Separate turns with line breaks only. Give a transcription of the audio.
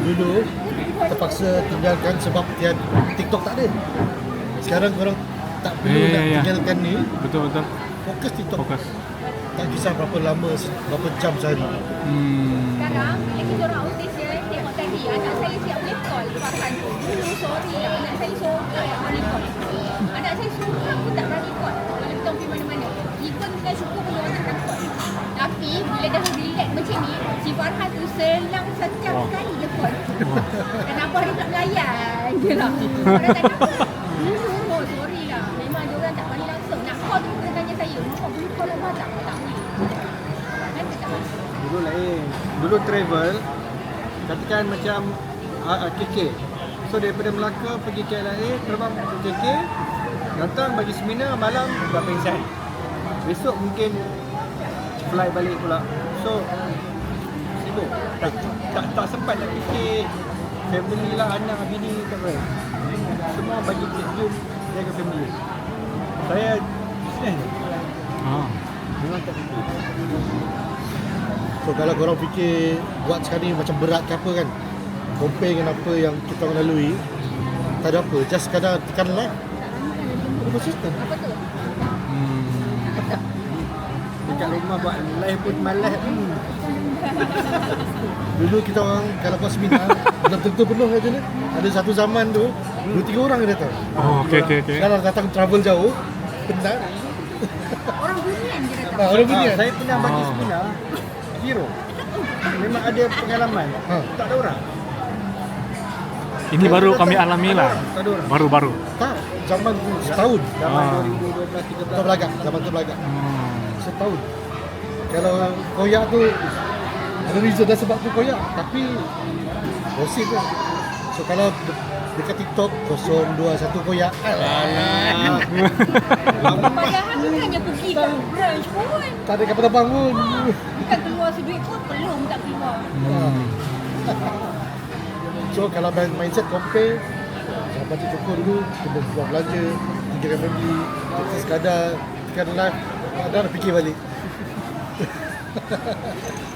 Dulu terpaksa tinggalkan sebab TikTok tak ada. Sekarang korang tak perlu nak tinggalkan ni.
Betul.
Fokus TikTok.
Fokus.
Tak kisah berapa lama, berapa jam sehari.
Sekarang bila kita orang audition, tengok tadi anak saya siap boleh call Farhan tu. Dulu sorry lah, anak saya sorang yang boleh call. Anak saya sorang pun tak berani call kalau kita pergi mana-mana. Even kita syukur pun orang tak call. Tapi bila dah relax macam ni, si Farhan tu selang sejam sekali je call. Dan abah dia tak melayan je lah. Orang tak dapat. Dulu sorry lah, memang dia orang tak berani langsung. Nak call tu kena tanya saya, "Mak boleh call abah tak?" Tak boleh. Nanti tak boleh.
Dulu lain. Dulu travel, katakan macam KK. So daripada Melaka pergi KLIA, terbang ke KK, datang bagi seminar, malam dah pengsan. Besok mungkin fly balik pula. So sibuk. Tak sempat nak fikir family lah, anak, bini, tak apa. Semua bagi jom jaga family. Saya business. Memang tak fikir.
So kalau korang fikir buat sekarang ni macam berat ke apa kan, compare dengan apa yang kita orang lalui, tak ada apa, just sekadar tekan live. Konsisten.
Apa tu?
Dekat rumah buat live pun malas.
Dulu kita orang kalau buat seminar belum tentu penuh aja ni. Ada satu zaman tu 2-3 orang yang datang.
Okey.
Kalau datang travel jauh, penat.
Orang bunian je datang.
Orang punya.
Saya pernah bagi seminar zero. Memang ada pengalaman. Tak ada orang.
Ini baru kami alami lah.
Tak ada orang.
Baru.
Tak, zaman tu setahun.
Zaman 2012
Terbelagak, zaman terbelagak. Setahun. Kalau koyak tu ada reason dah sebab tu koyak, tapi gosip lah. So kalau dekat TikTok 021 koyak. Alah.
Padahal bukannya pergi ke brunch pun.
Tak ada kapal terbang pun.
Bukan keluar seduit pun belum tak keluar.
So kalau mindset compare, jangan baca cukup dulu, kita buat belanja, tinggalkan family, kita sekadar tekan live, ada nak fikir balik.